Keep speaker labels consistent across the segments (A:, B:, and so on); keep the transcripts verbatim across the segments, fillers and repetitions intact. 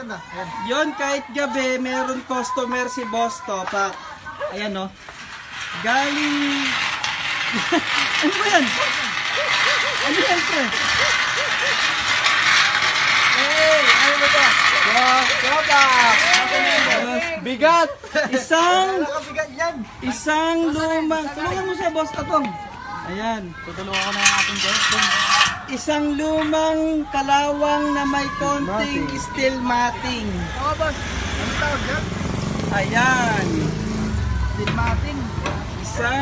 A: maganda. Ayan.
B: Yun, kahit gabi, meron customer si Boss Topa. Ayan o. Galing... ano ba yan? Ano yan, pre?
A: Hey! Ano ba ito? Boss Topa!
B: Bigat! Isang...
A: Nakabigat yan!
B: Isang lumang... Tulungan mo siya, Boss Katong. Ayan.
A: Tutulungan ko na yung ating guest.
B: Isang lumang kalawang na may konting steel matting.
A: Oo, boss. Ano tawag yan?
B: Ayan.
A: Steel matting.
B: Isang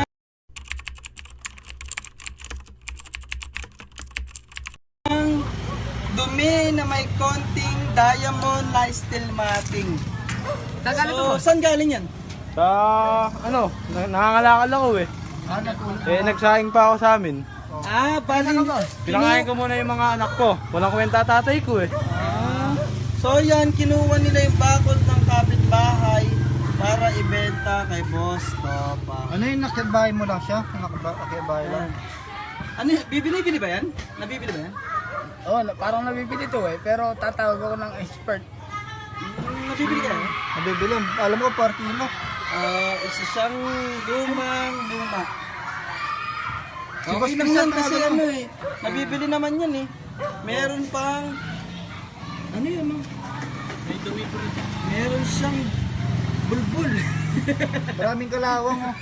B: dumi na may konting diamond na steel matting. So, saan galing yan?
C: Sa ano, na- nangangalakal ako eh.
A: Ah, natulog.
C: Eh nagsaing pa ako sa amin.
B: Ah, bali.
C: Pinangain ko muna yung mga anak ko. Walang kwenta tatay ko eh.
B: Ah, so yan, kinuha nila yung bakod ng kapitbahay para ibenta kay Boss Topa.
A: Ano yung nakitbahay mo lang siya? Nakitbahay lang.
B: Ano, yun? bibili-bili ba yan? Nabibili ba yan?
D: Oo, oh, parang nabibili to eh, pero tatawag ako ng expert.
B: Hmm, nabibili ka yan?
A: Nabibili. Alam ko, par kilo.
B: Ah, isa siyang lumang luma.
A: Si Boss
B: Okay lang
A: Christian
B: yan kasi
A: talaga,
B: ano eh. Nabibili naman yan eh. Meron pang... Ano yun no? Meron siyang bulbul.
A: Maraming kalawang oh.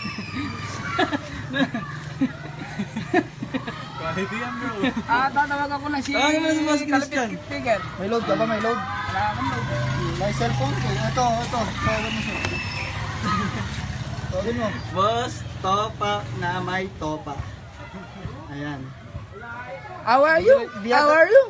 D: Ah, tatawag ako ng si
B: Tawagan mo na si Boss Christian.
D: Kalapit Figure.
A: May load ka ba? May load?
D: Wala akong load.
A: May cellphone ko. Ito, ito. Tawagan mo siya. Tawagan mo.
B: Boss Topa na may topa. Ayan.
D: How are you? How are you?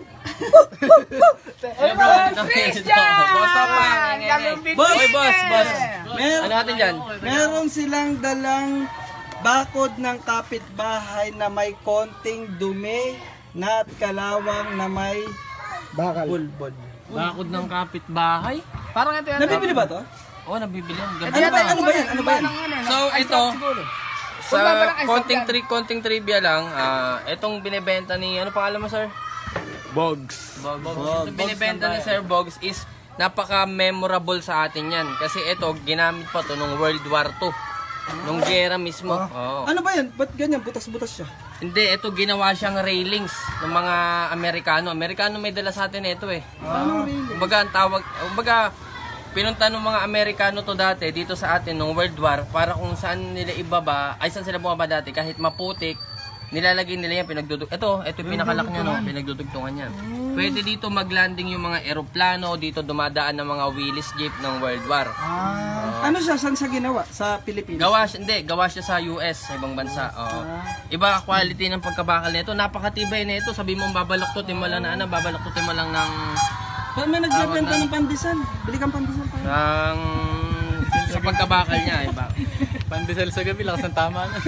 D: Boss Christian! Kalapit
B: Boss!
D: Figure!
B: Boss, boss. Mer
E: Ano natin dyan?
B: meron silang dalang bakod ng kapitbahay na may konting dumi na at kalawang na may
A: Bakal.
B: bulbol.
E: Bakod ng kapitbahay?
D: Parang ito yan.
B: Nabibili ba to?
E: Oo, nabibili yan. Gabi.
B: Ano ba, ano ba yan? Ano ba yan?
E: So, ito, sa konting, tri konting trivia lang, ah, itong binibenta ni, ano pangalan mo, sir?
C: Bogs.
E: Bogs. Itong binibenta ni Sir Bogs is napaka-memorable sa atin yan. Kasi ito, ginamit pa to nung World War Two. Nung gera mismo. Oo.
B: Ano ba yan? Ba't ganyan? Butas-butas siya.
E: Hindi, ito ginawa siyang railings ng mga Amerikano. Amerikano may dala sa atin ito eh.
B: Anong railing?
E: Kumbaga, ang tawag, kumbaga, pinunta ng mga Amerikano to dati dito sa atin nung World War para kung saan nila ibaba, ay saan sila bumaba dati, kahit maputik, nilalagay nila yan, pinagdudug. Ito, ito yung pinakalak niya, no? Pinagdudugtungan yan. Pwede dito maglanding yung mga eroplano, dito dumadaan ng mga Willis Jeep ng World War.
A: Ah.
B: Ano siya? Saan siya ginawa? Sa Pilipinas?
E: Gawa siya, hindi, gawa siya sa U S, sa ibang bansa. Oo. Iba quality ng pagkabakal nito, napakatibay nito. Sabi mo babaluktutin mo lang na ano, babaluktutin mo lang ng
B: Ba't may nagbebenta ng pandesal? Bili kang pandesal tayo.
E: ng sa pagkabakal niya, iba.
C: Pandesal sa gabi, lakas ng tama na.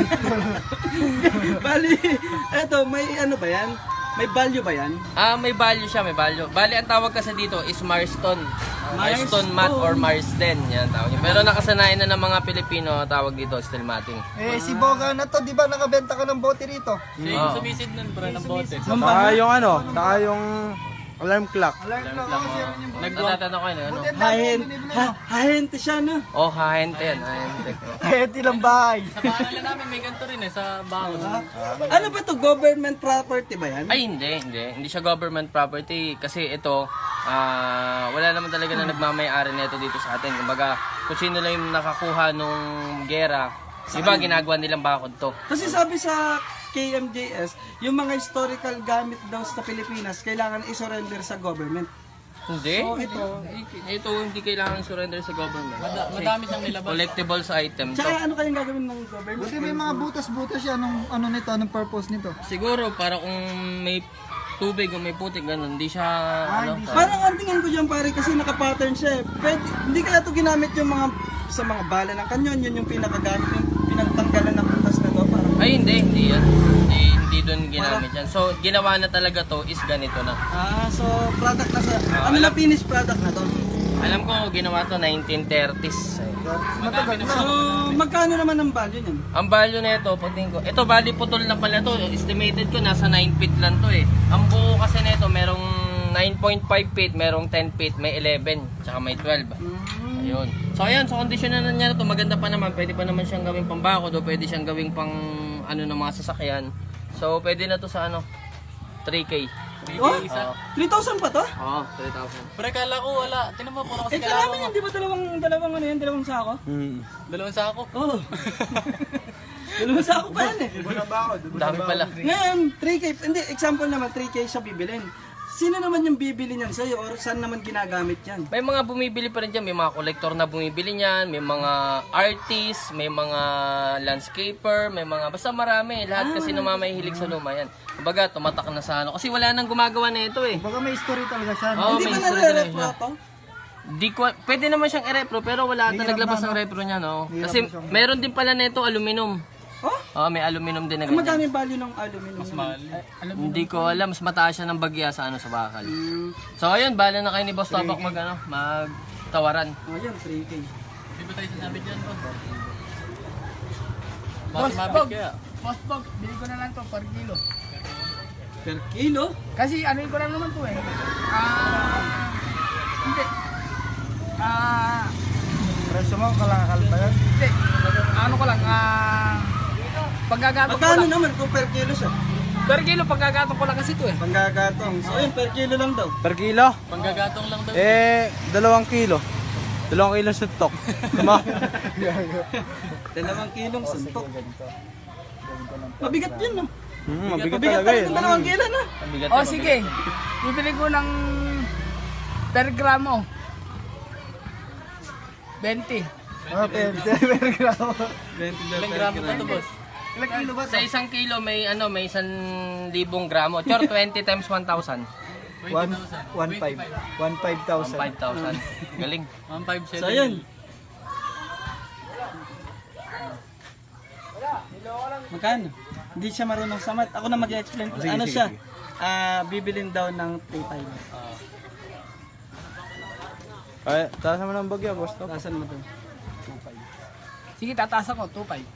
B: Bali, eto, may ano ba yan? May value ba yan?
E: Ah, may value siya, may value. Bali, ang tawag kasi dito is Marston. Marston mat or Marsden, yan tawag niya. Pero nakasanayan na ng mga Pilipino, tawag dito steel matting.
A: Eh, si Boga na to, di ba nakabenta ka ng bote rito?
E: Oo.
C: Sumisid nun, bro, ng bote.
B: Ma'am,
C: Saka yung ano, saka yung alarm clock.
A: Alarm lang ako, siya rin yung bote.
E: Nagtatanong ko yun, ano?
A: Buti ang dami
B: Hahen,
A: mong binibili
B: ha,
A: mo.
B: hahente siya, no?
E: Oh, hahente yan, hahente.
A: Kahit ilang bahay.
C: Bahala namin, may ganito rin eh, sa bakod.
B: Ano ba to? Government property ba yan?
E: Ay, hindi, hindi. Hindi siya government property kasi ito, ah, wala naman talaga na nagmamayari nito dito sa atin. Kumbaga, kung sino lang yung nakakuha nung gera, iba ginagawa nilang bakod to.
B: Kasi sabi sa K M J S, yung mga historical gamit daw sa Pilipinas, kailangan i-surrender sa government.
E: Hindi. ito, ito hindi kailangan surrender sa government.
C: Madami siyang nilabas.
E: Collectibles item to.
B: Tsaka ano kayang gagawin ng government?
A: Buti may mga butas-butas yan. Anong, ano nito? Anong purpose nito?
E: Siguro para kung may tubig o may putik ganun, hindi siya ano.
A: hindi
E: sa-
B: Parang ang tingin ko dyan pare kasi naka-pattern siya eh. Pwede, hindi kaya to ginamit yung mga sa mga bala ng kanyon, yun yung pinakagamit, yung pinagtanggalan ng butas na to. Parang,
E: Ay hindi, hindi yan. Hindi, hindi doon ginamit yan. So ginawa na talaga to is ganito na.
B: ah, so product na siya.
E: Ah,
B: ano na
E: alam-
B: finished product na to?
E: Alam ko ginawa to nineteen thirties.
A: Matagal na.
B: So, magkano naman ang value niyan?
E: Ang value nito, pagtingin ko, ito bali putol na pala to. Estimated ko nasa nine feet lang to eh. Ang buo kasi nito merong nine point five feet, merong ten feet, may eleven, tsaka may twelve. Ayun. So ayan, sa kondisyon na niya na to, maganda pa naman. Pwede pa naman siyang gawing pambakod o pwede siyang gawing pang ano ng mga sasakyan. So pwede na to sa ano, three K.
B: Oh, three thousand pa to?
E: Oo, three thousand.
A: Pre, kala ko wala. Tinan mo, puro
B: Eh,
A: kasi
B: kailangan
A: kalaban
B: yan, di ba dalawang, dalawang ano yan, dalawang sako?
C: Hmm.
A: Dalawang sako.
B: Oo. Dalawang sako pa yan eh.
E: Dami pala.
B: Ngayon, three K, hindi, example naman, three K siya bibilin. Sino naman yung bibili niyan sa'yo or saan naman ginagamit yan?
E: May mga bumibili pa rin dyan, may mga collector na bumibili niyan, may mga artist, may mga landscaper, may mga, basta marami. Lahat kasi namamahilig sa luma yan. Kumbaga, tumatak na sa ano. Kasi wala nang gumagawa na ito eh.
C: Baka may story talaga siya.
E: Oo,
B: Hindi
E: may
B: ba
E: history talaga
B: nare-repro
E: siya.
B: to?
E: Di ko, pwede naman siyang i-repro pero wala ata naglabas ng repro niya, no? Kasi meron din pala nito aluminum.
B: Oh?
E: Oo, may aluminum din na
B: Ang
E: ganyan.
B: madami value ng aluminum. Mas mahal.
E: Hindi ko alam, mas mataas siya ng bagya sa ano sa bakal.
B: Mm.
E: So ayun, bala na kayo ni Boss Topak mag ano, magtawaran.
B: Oh, yan, three K.
A: Di ba tayo sasabit yan, boss?
D: Boss
A: Mas mabit
D: Bog,
A: kaya.
D: Boss Bog, bili ko na lang to per kilo.
B: Per kilo?
D: Kasi ano ko lang naman to eh. Ah, hindi. Ah,
C: Presyo mo, kalakal pa yan.
D: hindi. Ano ko lang, ah, paggagatong ko
B: Magkano
D: lang.
B: naman kung per kilo siya?
D: Per kilo, paggagatong ko lang kasi to eh.
B: Panggagatong. So yun, per kilo lang daw.
C: Per kilo?
A: Panggagatong lang daw.
C: Eh, dalawang kilo. Dalawang kilo suntok. Tama?
B: Dalawang kilong suntok. Mabigat yun, no?
C: Hmm, mabigat
B: Mabigat
C: talaga
B: talaga
C: yun.
B: ng dalawang kilo, no?
E: Ang bigat
D: O
E: na,
D: sige, bibili ko ng per gramo. twenty.
C: Ah, pwede. Per gramo.
A: Ilang gramo na to, boss?
C: Ilang kilo ba?
E: Sa isang kilo may ano, may isang libong gramo. Chor, twenty times one thousand.
C: One, one five. One five thousand.
E: five thousand. Galing.
A: one five seven.
B: So yun. Magkano? Hindi siya marunong sa math. Ako na mag-explain ko. Ano siya? Ah, bibilin daw ng three five.
C: Ay, taas naman ang bagya, boss. Top.
B: Tasan mo to?
D: Sige, tataas ako, two five.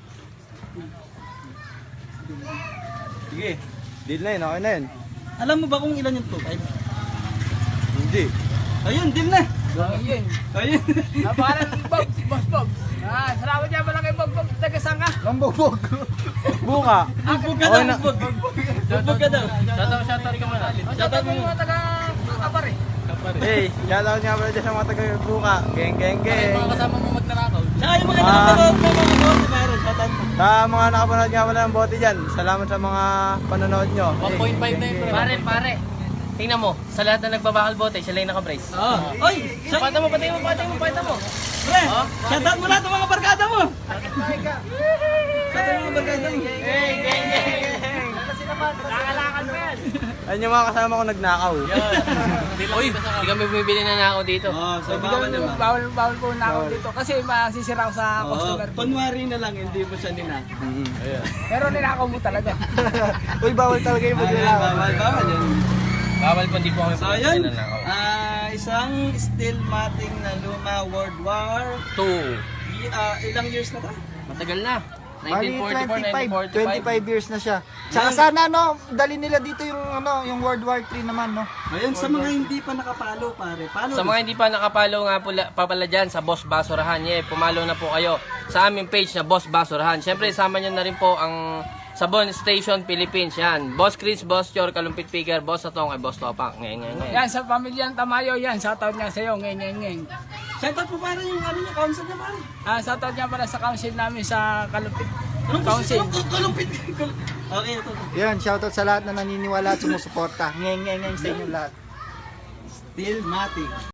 C: Sige. Deal na yun, okay na yun.
B: Alam mo ba kung ilan yung two five?
C: Hindi.
B: Ayun, deal na!
D: Ayun.
B: Ayun!
D: Napakarang Bogs, Boss Bogs. Ah, salamat niya pala kay Bogs Bogs. Taga saan ka?
C: Lambogbog. Buka.
B: Bugbog ka
C: Okay
B: daw,
C: na.
B: bugbog. Bugbog ka daw.
E: Shoutout, shoutout ka muna.
D: Shoutout mo mga taga Kapare.
C: Hey, shoutout nga pala dyan sa mga taga-buka. Geng, geng, geng.
A: Mga kasama mo magnanakaw.
B: Tsaka yung mga
C: Ah.
B: nakapanood na mga bote meron, shoutout mo.
C: Sa mga nakapanood nga pala ng bote dyan, salamat sa mga panonood nyo.
A: one point five na yun, pre.
E: Pare, pare. Tingnan mo, sa lahat na nagbabakal bote, siya lang yung naka-brace.
B: Oo. Oy! Shout-
E: Pata mo, patay mo, patay mo, patay mo.
B: Pre! Shoutout mo lahat ng mga barkada mo! Shoutout mo mga barkada mo.
E: Hey, gang, gang. Nakakalakan mo yan.
C: Ayun yung mga kasama ko nagnakaw.
E: Uy, hindi kami bumibili na nako dito.
B: Oo, so
D: Hindi
B: bawal
D: ko
B: naman.
D: bawal bawal po na ako dito kasi masisira ako sa
B: Oo,
D: customer.
B: kunwari na lang, hindi mo siya ninak.
D: Pero ninakaw mo talaga.
C: Uy, bawal talaga yung
B: Ayun,
C: maglalaban.
B: bawal, bawal yun.
E: Bawal po, hindi po kami
B: So
E: bumibili
B: ayun,
E: na nako.
B: ah, isang steel mating na luma World War.
E: Two.
B: Y- ah, ilang years na to?
E: Matagal na.
C: Bali,
E: nineteen forty-four, nineteen
C: twenty-five,
E: forty-five.
C: twenty-five years na siya. Tsaka sana, no, dali nila dito yung, ano, yung World War Three naman, no?
B: Ayun, sa mga hindi pa nakapalo, pare. Palo
E: Sa mga hindi pa nakapalo nga pula, pa pala dyan sa Boss Basurahan, yeah, pumalo na po kayo sa aming page na Boss Basurahan. Siyempre, sama nyo na rin po ang Sabon Station Philippines, yan. Boss Chris, Boss Chor, Kalumpit Picker, Boss Atong, ay Boss Topak. Ngay, ngay, ngay.
D: Yan sa pamilyang Tamayo yan. Shoutout niya sa iyo. Ngeng ngeng ngeng.
B: Shoutout po pare yung ano niya, council niya pare.
D: Ah, shoutout niya pala sa council namin sa Kalumpit.
B: Anong
D: Council.
B: council? Kalumpit. Okay, ito. ito.
C: Yan, shoutout sa lahat na naniniwala at sumusuporta. Ngeng, ngeng, ngeng sa inyo lahat.
B: Steel mating.